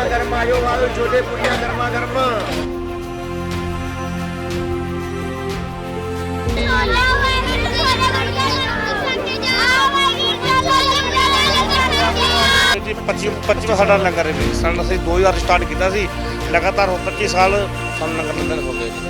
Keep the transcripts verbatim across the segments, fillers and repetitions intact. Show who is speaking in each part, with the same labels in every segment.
Speaker 1: ਗਰਮ ਆਇਓ ਆਇਓ ਛੋਲੇ ਪੂਰੀਆਂ ਗਰਮਾ ਗਰਮ।
Speaker 2: जी पच्ची पच्चीवा साडा लंगर है जी। सन असीं दो हज़ार स्टार्ट किया सी, लगातार पच्ची साल सानूं लंगर लंगर हो गए जी।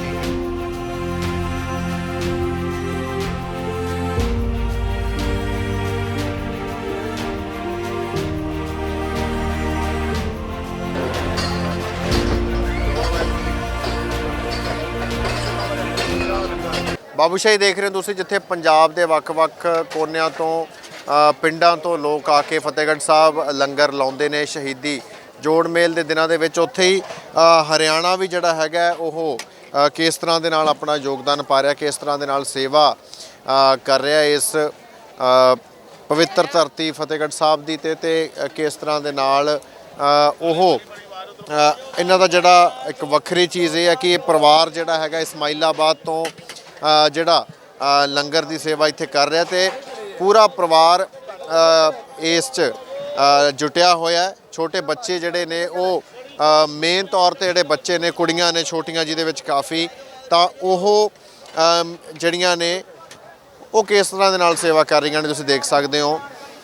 Speaker 3: ਬਾਬੂਸ਼ਾਹੀ ਦੇਖ ਰਹੇ ਹੋ ਤੁਸੀਂ, ਜਿੱਥੇ ਪੰਜਾਬ ਦੇ ਵੱਖ-ਵੱਖ ਕੋਨਿਆਂ ਤੋਂ ਅ, ਪਿੰਡਾਂ ਤੋਂ ਲੋਕ ਆ ਕੇ ਫਤਿਹਗੜ੍ਹ ਸਾਹਿਬ ਲੰਗਰ ਲਾਉਂਦੇ ਨੇ ਸ਼ਹੀਦੀ ਜੋੜ ਮੇਲ ਦੇ ਦਿਨਾਂ ਦੇ ਵਿੱਚ। ਉੱਥੇ ਹੀ ਅ, ਹਰਿਆਣਾ ਵੀ ਜਿਹੜਾ ਹੈਗਾ ਉਹ ਅ, ਕਿਸ ਤਰ੍ਹਾਂ ਦੇ ਨਾਲ ਆਪਣਾ ਯੋਗਦਾਨ ਪਾ ਰਿਹਾ, ਕਿਸ ਤਰ੍ਹਾਂ ਦੇ ਨਾਲ ਸੇਵਾ ਅ, ਕਰ ਰਿਹਾ ਇਸ ਅ, ਪਵਿੱਤਰ ਧਰਤੀ ਫਤਿਹਗੜ੍ਹ ਸਾਹਿਬ ਦੀ ਤੇ ਤੇ ਕਿਸ ਤਰ੍ਹਾਂ ਦੇ ਨਾਲ ਅ, ਉਹ ਅ, ਇਹਨਾਂ ਦਾ ਜਿਹੜਾ ਇੱਕ ਵੱਖਰੀ ਚੀਜ਼ ਇਹ ਹੈ ਕਿ ਇਹ ਪਰਿਵਾਰ ਜਿਹੜਾ ਹੈਗਾ ਇਸਮਾਈਲਾਬਾਦ ਤੋਂ ਅ, ਜਿਹੜਾ ਅ, ਲੰਗਰ ਦੀ ਸੇਵਾ ਇੱਥੇ ਕਰ ਰਿਹਾ ਤੇ ਪੂਰਾ ਪਰਿਵਾਰ ਅ, ਇਸ 'ਚ ਅ, ਜੁਟਿਆ ਹੋਇਆ। ਛੋਟੇ ਬੱਚੇ ਜਿਹੜੇ ਨੇ ਉਹ ਮੇਨ ਤੌਰ ਤੇ ਜਿਹੜੇ ਬੱਚੇ ਨੇ, ਕੁੜੀਆਂ ਨੇ ਛੋਟੀਆਂ ਜਿਹਦੇ ਵਿੱਚ ਕਾਫੀ, ਤਾਂ ਉਹ ਅ, ਜਿਹੜੀਆਂ ਨੇ ਉਹ ਕਿਸ ਤਰ੍ਹਾਂ ਦੇ ਨਾਲ ਸੇਵਾ ਕਰ ਰਹੀਆਂ ਨੇ ਤੁਸੀਂ ਦੇਖ ਸਕਦੇ ਹੋ।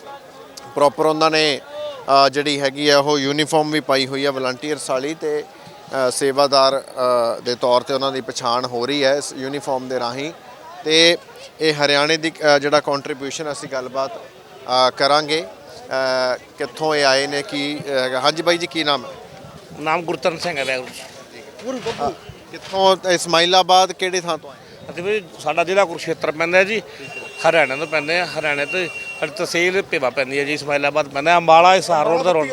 Speaker 3: ਪ੍ਰੋਪਰ ਉਹਨਾਂ ਨੇ ਅ, ਜਿਹੜੀ ਹੈਗੀ ਆ ਉਹ ਯੂਨੀਫਾਰਮ ਵੀ ਪਾਈ ਹੋਈ ਆ ਵਲੰਟੀਅਰਸ ਵਾਲੀ, ਤੇ ਅ, ਸੇਵਾਦਾਰ ਅ, ਦੇ ਤੌਰ ਤੇ ਉਹਨਾਂ ਦੀ ਪਛਾਣ ਹੋ ਰਹੀ ਹੈ ਇਸ ਯੂਨੀਫਾਰਮ ਦੇ ਰਾਹੀਂ। ਤੇ ਇਹ ਹਰਿਆਣੇ ਦੀ ਅ, ਜਿਹੜਾ ਕੰਟਰੀਬਿਊਸ਼ਨ ਅਸੀਂ ਗੱਲਬਾਤ ਅ, ਕਰਾਂਗੇ ਅ, ਕਿੱਥੋਂ ਇਹ ਆਏ ਨੇ, ਕੀ ਹੈਗਾ। ਹਾਂਜੀ ਬਾਈ ਜੀ, ਕੀ ਨਾਮ ਹੈ?
Speaker 2: नाम गुरतन सिंह है वैगुरू जी।
Speaker 3: ਕਿੱਥੋਂ? ਇਸਮਾਈਲਾਬਾਦ ਕਿਹੜੇ ਥਾਂ ਤੋਂ ਆਏ?
Speaker 2: ਅਸੀਂ ਵੀ ਸਾਡਾ ਜ਼ਿਲ੍ਹਾ ਕੁਰੂਕਸ਼ੇਤਰ ਪੈਂਦਾ ਹੈ ਜੀ, ਹਰਿਆਣਾ ਤੋਂ ਪੈਂਦੇ ਆ। ਹਰਿਆਣੇ ਤੋਂ ਸਾਡੀ ਤਹਿਸੀਲ ਭੇਵਾ ਪੈਂਦੀ ਹੈ ਜੀ, ਇਸਮਾਈਲਾਬਾਦ ਪੈਂਦਾ, ਅੰਬਾਲਾ ਹਿਸਾਰ ਰੋਡ ਦਾ ਰੋਡ।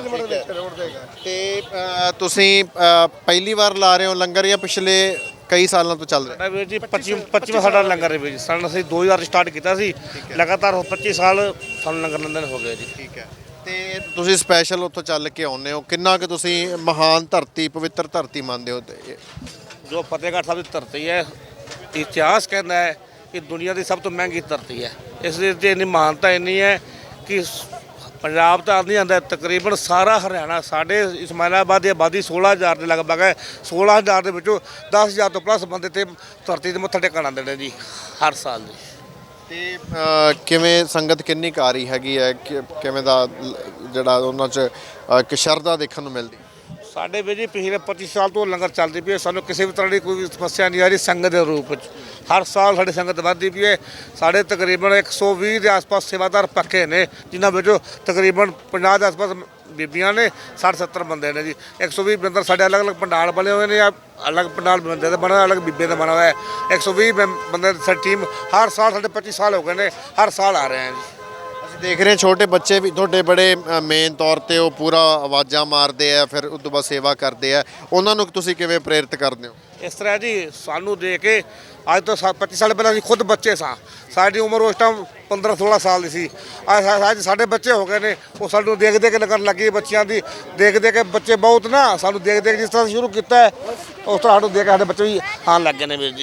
Speaker 3: ਤੇ ਅ, ਤੁਸੀਂ ਅ, ਪਹਿਲੀ ਵਾਰ ਲਾ ਰਹੇ ਹੋ ਲੰਗਰ ਜਾਂ ਪਿਛਲੇ ਕਈ ਸਾਲਾਂ ਤੋਂ ਚੱਲ ਰਿਹਾ?
Speaker 2: ਸਾਡਾ ਵੀਰ ਜੀ ਪੱਚੀ ਪੱਚੀਵਾਂ ਸਾਡਾ ਲੰਗਰ ਹੈ ਵੀਰ ਜੀ। ਸਨ ਅਸੀਂ ਦੋ ਹਜ਼ਾਰ ਸਟਾਰਟ ਕੀਤਾ ਸੀ, ਲਗਾਤਾਰ ਪੱਚੀ ਸਾਲ ਸਾਨੂੰ ਲੰਗਰ ਲੰਗਰ ਹੋ ਗਏ ਜੀ।
Speaker 3: ਠੀਕ ਹੈ। ਤੇ ਤੁਸੀਂ ਸਪੈਸ਼ਲ ਉੱਥੋਂ ਚੱਲ ਕੇ ਆਉਂਦੇ ਹੋ, ਕਿੰਨਾ ਕਿ ਤੁਸੀਂ ਮਹਾਨ ਧਰਤੀ, ਪਵਿੱਤਰ ਧਰਤੀ ਮੰਨਦੇ ਹੋ? ਤੇ
Speaker 2: ਜੋ ਫਤਿਹਗੜ੍ਹ ਸਾਹਿਬ ਦੀ ਧਰਤੀ ਹੈ, ਇਤਿਹਾਸ ਕਹਿੰਦਾ ਹੈ ਕਿ ਦੁਨੀਆ ਦੀ ਸਭ ਤੋਂ ਮਹਿੰਗੀ ਧਰਤੀ ਹੈ। ਇਸ ਦੇ ਤੇ ਇੰਨੀ ਮਾਨਤਾ ਇੰਨੀ ਹੈ ਕਿ ਪੰਜਾਬ ਤਾਂ ਨਹੀਂ ਆਉਂਦਾ, ਤਕਰੀਬਨ ਸਾਰਾ ਹਰਿਆਣਾ, ਸਾਡੇ ਇਸਮਾਈਲਾਬਾਦ ਦੀ ਆਬਾਦੀ ਸੋਲ੍ਹਾਂ ਹਜ਼ਾਰ ਦੇ ਲਗਭਗ ਹੈ। ਸੋਲ੍ਹਾਂ ਹਜ਼ਾਰ ਦੇ ਵਿੱਚੋਂ ਦਸ ਹਜ਼ਾਰ ਤੋਂ ਪਲੱਸ ਬੰਦੇ ਤੇ ਧਰਤੀ 'ਤੇ ਮੱਥਾ ਟੇਕਣ ਆਉਂਦੇ ਨੇ ਜੀ ਹਰ ਸਾਲ ਜੀ।
Speaker 3: ਤੇ ਅ, ਕਿਵੇਂ ਸੰਗਤ ਕਿੰਨੀ ਕੁ ਆ ਰਹੀ ਹੈਗੀ ਹੈ, ਕਿ- ਕਿਵੇਂ ਦਾ ਲ- ਜਿਹੜਾ ਉਹਨਾਂ 'ਚ ਅ, ਇੱਕ ਸ਼ਰਧਾ ਦੇਖਣ ਨੂੰ ਮਿਲਦੀ?
Speaker 2: ਸਾਡੇ ਵੀ ਜੀ ਪਿਛਲੇ ਪੱਚੀ ਸਾਲ ਤੋਂ ਲੰਗਰ ਚੱਲਦੀ ਪਈ ਹੈ, ਸਾਨੂੰ ਕਿਸੇ ਵੀ ਤਰ੍ਹਾਂ ਦੀ ਕੋਈ ਸਮੱਸਿਆ ਨਹੀਂ ਆ ਰਹੀ ਸੰਗਤ ਦੇ ਰੂਪ ਵਿੱਚ। ਹਰ ਸਾਲ ਸਾਡੀ ਸੰਗਤ ਵੱਧਦੀ ਪਈ ਹੈ। ਸਾਡੇ ਤਕਰੀਬਨ ਇੱਕ ਸੌ ਵੀਹ ਦੇ ਆਸ-ਪਾਸ ਸੇਵਾਦਾਰ ਪੱਕੇ ਨੇ, ਜਿਨ੍ਹਾਂ ਵਿੱਚੋਂ ਤਕਰੀਬਨ ਪੰਜਾਹ ਦੇ ਆਸ-ਪਾਸ ਬੀਬੀਆਂ ਨੇ, ਸੱਠ ਸੱਤਰ ਬੰਦੇ ਨੇ ਜੀ। ਇੱਕ ਸੌ ਵੀਹ ਬੰਦੇ ਸਾਡੇ ਅਲੱਗ-ਅਲੱਗ ਪੰਡਾਲ ਬਣੇ ਹੋਏ ਨੇ, ਜਾਂ ਅਲੱਗ ਪੰਡਾਲ ਬੰਦੇ ਦਾ ਬਣਾ, ਅਲੱਗ ਬੀਬੇ ਦਾ ਬਣਾ ਹੋਇਆ ਹੈ। ਇੱਕ ਸੌ ਵੀਹ ਬੰਦੇ ਦੀ ਸਾਡੀ ਟੀਮ ਹਰ ਸਾਲ, ਸਾਡੇ ਪੱਚੀ ਸਾਲ ਹੋ ਗਏ ਨੇ, ਹਰ ਸਾਲ ਆ ਰਹੇ ਹਾਂ ਜੀ।
Speaker 3: ਅਸੀਂ ਦੇਖ ਰਹੇ ਛੋਟੇ ਬੱਚੇ ਵੀ ਤੁਹਾਡੇ ਬੜੇ ਮੇਨ ਤੌਰ ਤੇ ਉਹ ਪੂਰਾ ਆਵਾਜ਼ਾਂ ਮਾਰਦੇ ਆ, ਫਿਰ ਉਸ ਤੋਂ ਬਾਅਦ ਸੇਵਾ ਕਰਦੇ ਆ। ਉਹਨਾਂ ਨੂੰ ਤੁਸੀਂ ਕਿਵੇਂ ਪ੍ਰੇਰਿਤ ਕਰਦੇ ਹੋ?
Speaker 2: ਇਸ ਤਰ੍ਹਾਂ ਜੀ, ਸਾਨੂੰ ਦੇਖ ਕੇ ਅੱਜ ਤੋਂ ਸਾ ਪੱਚੀ ਸਾਲ ਪਹਿਲਾਂ ਅਸੀਂ ਖੁਦ ਬੱਚੇ ਸਾਂ, ਸਾਡੀ ਉਮਰ ਉਸ ਟਾਈਮ ਪੰਦਰਾਂ ਸੋਲ੍ਹਾਂ ਸਾਲ ਦੀ ਸੀ। ਅੱਜ ਸਾਡੇ ਬੱਚੇ ਹੋ ਗਏ ਨੇ, ਉਹ ਸਾਨੂੰ ਦੇਖ ਦੇਖ ਕੇ ਲੱਗਣ ਲੱਗੀ ਬੱਚਿਆਂ ਦੀ, ਦੇਖ ਦੇਖ ਕੇ ਬੱਚੇ ਬਹੁਤ ਨਾ ਸਾਨੂੰ ਦੇਖ ਦੇਖ ਜਿਸ ਤਰ੍ਹਾਂ ਸ਼ੁਰੂ ਕੀਤਾ ਉਸ ਤਰ੍ਹਾਂ ਸਾਨੂੰ ਦੇਖ ਕੇ ਸਾਡੇ ਬੱਚੇ ਵੀ ਆਉਣ ਲੱਗ ਗਏ ਨੇ ਵੀਰ ਜੀ।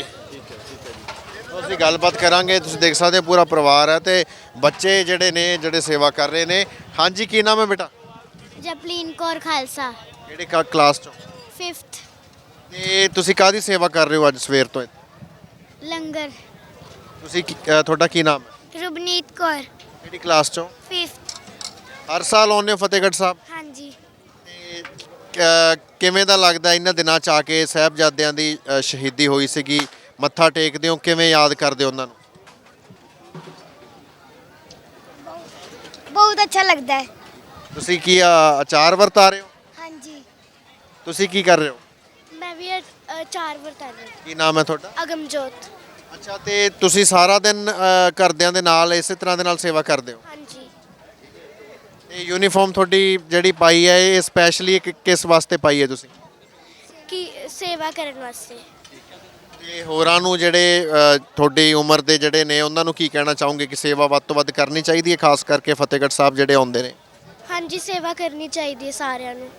Speaker 3: ਅਸੀਂ ਗੱਲਬਾਤ ਕਰਾਂਗੇ। ਤੁਸੀਂ ਦੇਖ ਸਕਦੇ ਹੋ ਪੂਰਾ ਪਰਿਵਾਰ ਹੈ ਤੇ ਬੱਚੇ ਜਿਹੜੇ ਨੇ ਜਿਹੜੇ ਸੇਵਾ ਕਰ ਰਹੇ ਨੇ। ਹਾਂਜੀ, ਕੀ ਨਾਮ ਹੈ ਬੇਟਾ?
Speaker 4: ਜਪਲੀਨ ਕੌਰ ਖਾਲਸਾ,
Speaker 3: ਕਿਹੜੇ ਕਾ ਕਲਾਸ ਚੋਂ?
Speaker 4: ਫਿਫਥ।
Speaker 3: ਤੇ ਤੁਸੀਂ ਕਾਹਦੀ ਸੇਵਾ ਕਰ ਰਹੇ ਹੋ ਅੱਜ ਸਵੇਰ ਤੋਂ?
Speaker 4: ਲੰਗਰ।
Speaker 3: ਤੁਸੀਂ ਕੀ- ਅ, ਤੁਹਾਡਾ ਕੀ ਨਾਮ ਹੈ?
Speaker 4: ਰੁਬਨੀਤ ਕੌਰ,
Speaker 3: ਕਿਹੜੀ ਕਲਾਸ ਚੋਂ?
Speaker 4: ਫਿਫਥ।
Speaker 3: ਹਰ ਸਾਲ ਆਉਂਦੇ ਹੋ ਫਤਿਹਗੜ੍ਹ ਸਾਹਿਬ?
Speaker 4: ਹਾਂਜੀ।
Speaker 3: ਤੇ ਅ, ਕਿਵੇਂ ਦਾ ਲੱਗਦਾ ਇਹਨਾਂ ਦਿਨਾਂ ਚ ਆ ਕੇ? ਸਾਹਿਬਜ਼ਾਦਿਆਂ ਦੀ ਅ, ਸ਼ਹੀਦੀ ਹੋਈ ਸੀਗੀ, ਮੱਥਾ ਟੇਕਦੇ ਹੋ, ਕਿਵੇਂ ਯਾਦ ਕਰਦੇ ਹੋ ਉਹਨਾਂ ਨੂੰ?
Speaker 4: ਬਹੁਤ ਅੱਛਾ ਲੱਗਦਾ ਹੈ।
Speaker 3: ਤੁਸੀਂ ਕੀ ਅ, ਅਚਾਰ ਵਰਤਾ ਰਹੇ ਹੋ?
Speaker 4: ਹਾਂਜੀ,
Speaker 3: ਤੁਸੀਂ ਕੀ ਕਰ ਰਹੇ ਹੋ?
Speaker 4: ਮੈਂ ਵੀ ਚਾਰ ਵਰਤਾ ਰਹੀ।
Speaker 3: ਕੀ ਨਾਮ ਹੈ ਤੁਹਾਡਾ?
Speaker 4: ਅਗਮਜੋਤ।
Speaker 3: ਅੱਛਾ, ਤੇ ਤੁਸੀਂ ਸਾਰਾ ਦਿਨ ਅ, ਘਰਦਿਆਂ ਦੇ ਨਾਲ ਇਸੇ ਤਰ੍ਹਾਂ ਦੇ ਨਾਲ ਸੇਵਾ ਕਰਦੇ ਹੋ?
Speaker 4: ਹਾਂਜੀ।
Speaker 3: ਤੇ ਯੂਨੀਫਾਰਮ ਤੁਹਾਡੀ ਜਿਹੜੀ ਪਾਈ ਹੈ ਇਹ ਸਪੈਸ਼ਲੀ ਕਿਸ ਵਾਸਤੇ ਪਾਈ ਹੈ ਤੁਸੀਂ?
Speaker 4: ਕੀ ਸੇਵਾ ਕਰਨ ਵਾਸਤੇ।
Speaker 3: ਤੇ ਹੋਰਾਂ ਨੂੰ ਜਿਹੜੇ ਅ, ਤੁਹਾਡੀ ਉਮਰ ਦੇ ਜਿਹੜੇ ਨੇ ਉਹਨਾਂ ਨੂੰ ਕੀ ਕਹਿਣਾ ਚਾਹੋਗੇ ਕਿ ਸੇਵਾ ਵੱਧ ਤੋਂ ਵੱਧ ਕਰਨੀ ਚਾਹੀਦੀ ਹੈ, ਖਾਸ ਕਰਕੇ ਫਤਿਹਗੜ੍ਹ ਸਾਹਿਬ ਜਿਹੜੇ ਆਉਂਦੇ ਨੇ?
Speaker 4: ਹਾਂਜੀ, ਸੇਵਾ ਕਰਨੀ ਚਾਹੀਦੀ ਹੈ ਸਾਰਿਆਂ ਨੂੰ।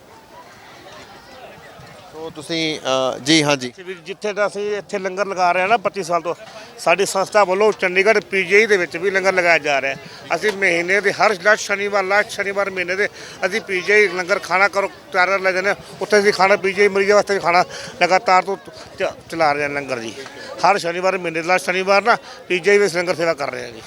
Speaker 3: ਸੋ ਤੁਸੀਂ ਅ, ਜੀ ਹਾਂਜੀ,
Speaker 2: ਜਿੱਥੇ ਦਾ ਅਸੀਂ ਇੱਥੇ ਲੰਗਰ ਲਗਾ ਰਹੇ ਹਾਂ ਨਾ ਪੱਚੀ ਸਾਲ ਤੋਂ, ਸਾਡੀ ਸੰਸਥਾ ਵੱਲੋਂ ਚੰਡੀਗੜ੍ਹ ਪੀਜੀਆਈ ਦੇ ਵਿੱਚ ਵੀ ਲੰਗਰ ਲਗਾਇਆ ਜਾ ਰਿਹਾ ਹੈ। ਅਸੀਂ ਮਹੀਨੇ ਦੇ ਹਰ ਲਾਸਟ ਸ਼ਨੀਵਾਰ ਲਾਸਟ ਸ਼ਨੀਵਾਰ ਮਹੀਨੇ ਦੇ ਅਸੀਂ ਪੀਜੀਆਈ ਲੰਗਰ ਖਾਣਾ ਕਰੋ ਤਿਆਰ ਕਰ ਲੈ ਜਾਂਦੇ ਹਾਂ। ਉੱਥੇ ਅਸੀਂ ਖਾਣਾ ਪੀਜੀਆਈ ਮਰੀਜ਼ਾਂ ਵਾਸਤੇ ਵੀ ਖਾਣਾ ਲਗਾਤਾਰ ਤੋਂ ਚ- ਚਲਾ ਰਹੇ ਹਾਂ ਲੰਗਰ ਜੀ। ਹਰ ਸ਼ਨੀਵਾਰ ਮਹੀਨੇ ਦੇ ਲਾਸਟ ਸ਼ਨੀਵਾਰ ਨਾ ਪੀਜੀਆਈ ਵਿੱਚ ਲੰਗਰ ਸੇਵਾ ਕਰ ਰਹੇ ਹਾਂ ਜੀ।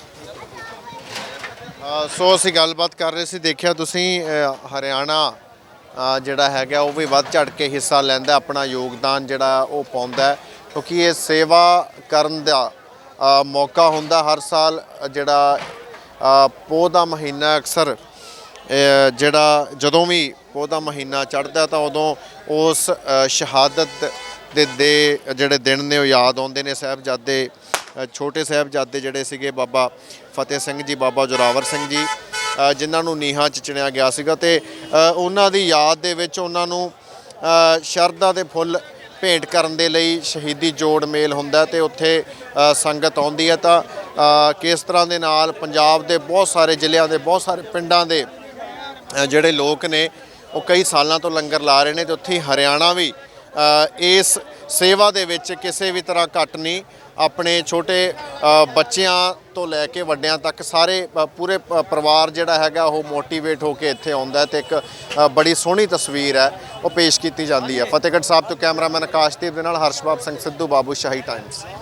Speaker 3: ਅ, ਸੋ ਅਸੀਂ ਗੱਲਬਾਤ ਕਰ ਰਹੇ ਸੀ, ਦੇਖਿਆ ਤੁਸੀਂ ਅ, ਹਰਿਆਣਾ ਅ, ਜਿਹੜਾ ਹੈਗਾ ਉਹ ਵੀ ਵੱਧ ਚੜ੍ਹ ਕੇ ਹਿੱਸਾ ਲੈਂਦਾ, ਆਪਣਾ ਯੋਗਦਾਨ ਜਿਹੜਾ ਉਹ ਪਾਉਂਦਾ ਹੈ, ਕਿਉਂਕਿ ਇਹ ਸੇਵਾ ਕਰਨ ਦਾ ਅ, ਮੌਕਾ ਹੁੰਦਾ ਹਰ ਸਾਲ। ਜਿਹੜਾ ਅ, ਪੋਹ ਦਾ ਮਹੀਨਾ ਅਕਸਰ ਅ, ਜਿਹੜਾ ਜਦੋਂ ਵੀ ਪੋਹ ਦਾ ਮਹੀਨਾ ਚੜ੍ਹਦਾ ਤਾਂ ਉਦੋਂ ਉਸ ਅ, ਸ਼ਹਾਦਤ ਦੇ ਦੇ ਜਿਹੜੇ ਦਿਨ ਨੇ ਉਹ ਯਾਦ ਆਉਂਦੇ ਨੇ। ਸਾਹਿਬਜ਼ਾਦੇ ਅ, ਛੋਟੇ ਸਾਹਿਬਜ਼ਾਦੇ ਜਿਹੜੇ ਸੀਗੇ ਬਾਬਾ ਫਤਿਹ ਸਿੰਘ ਜੀ, ਬਾਬਾ ਜ਼ੋਰਾਵਰ ਸਿੰਘ ਜੀ, ਅ, ਜਿਨ੍ਹਾਂ ਨੂੰ ਨੀਹਾਂ 'ਚ ਚਿਣਿਆ ਗਿਆ ਸੀਗਾ, ਤੇ ਅ, ਉਹਨਾਂ ਦੀ ਯਾਦ ਦੇ ਵਿੱਚ ਉਹਨਾਂ ਨੂੰ ਅ, ਸ਼ਰਧਾ ਦੇ ਫੁੱਲ ਭੇਂਟ ਕਰਨ ਦੇ ਲਈ ਸ਼ਹੀਦੀ ਜੋੜ ਮੇਲ ਹੁੰਦਾ ਤੇ ਉੱਥੇ ਅ, ਸੰਗਤ ਆਉਂਦੀ ਹੈ। ਤਾਂ ਅ, ਕਿਸ ਤਰ੍ਹਾਂ ਦੇ ਨਾਲ ਪੰਜਾਬ ਦੇ ਬਹੁਤ ਸਾਰੇ ਜ਼ਿਲ੍ਹਿਆਂ ਦੇ ਬਹੁਤ ਸਾਰੇ ਪਿੰਡਾਂ ਦੇ ਅ, ਜਿਹੜੇ ਲੋਕ ਨੇ ਉਹ ਕਈ ਸਾਲਾਂ ਤੋਂ ਲੰਗਰ ਲਾ ਰਹੇ ਨੇ, ਤੇ ਉੱਥੇ ਹੀ ਹਰਿਆਣਾ ਵੀ ਅ, ਇਸ ਸੇਵਾ ਦੇ ਵਿੱਚ ਕਿਸੇ ਵੀ ਤਰ੍ਹਾਂ ਘੱਟ ਨਹੀਂ। ਆਪਣੇ ਛੋਟੇ ਅ, ਬੱਚਿਆਂ ਤੋਂ ਲੈ ਕੇ ਵੱਡਿਆਂ ਤੱਕ ਸਾਰੇ ਅ, ਪੂਰੇ ਪ- ਪਰਿਵਾਰ ਜਿਹੜਾ ਹੈਗਾ ਉਹ ਮੋਟੀਵੇਟ ਹੋ ਕੇ ਇੱਥੇ ਆਉਂਦਾ ਤੇ ਇੱਕ ਅ, ਬੜੀ ਸੋਹਣੀ ਤਸਵੀਰ ਹੈ ਉਹ ਪੇਸ਼ ਕੀਤੀ ਜਾਂਦੀ ਹੈ। ਫਤਿਹਗੜ੍ਹ ਸਾਹਿਬ ਤੋਂ ਕੈਮਰਾਮੈਨ ਆਕਾਸ਼ਦੀਪ ਦੇ ਨਾਲ ਹਰਸ਼ਬਾਬ ਸਿੰਘ ਸਿੱਧੂ, ਬਾਬੂ ਸ਼ਾਹੀ ਟਾਈਮਸ।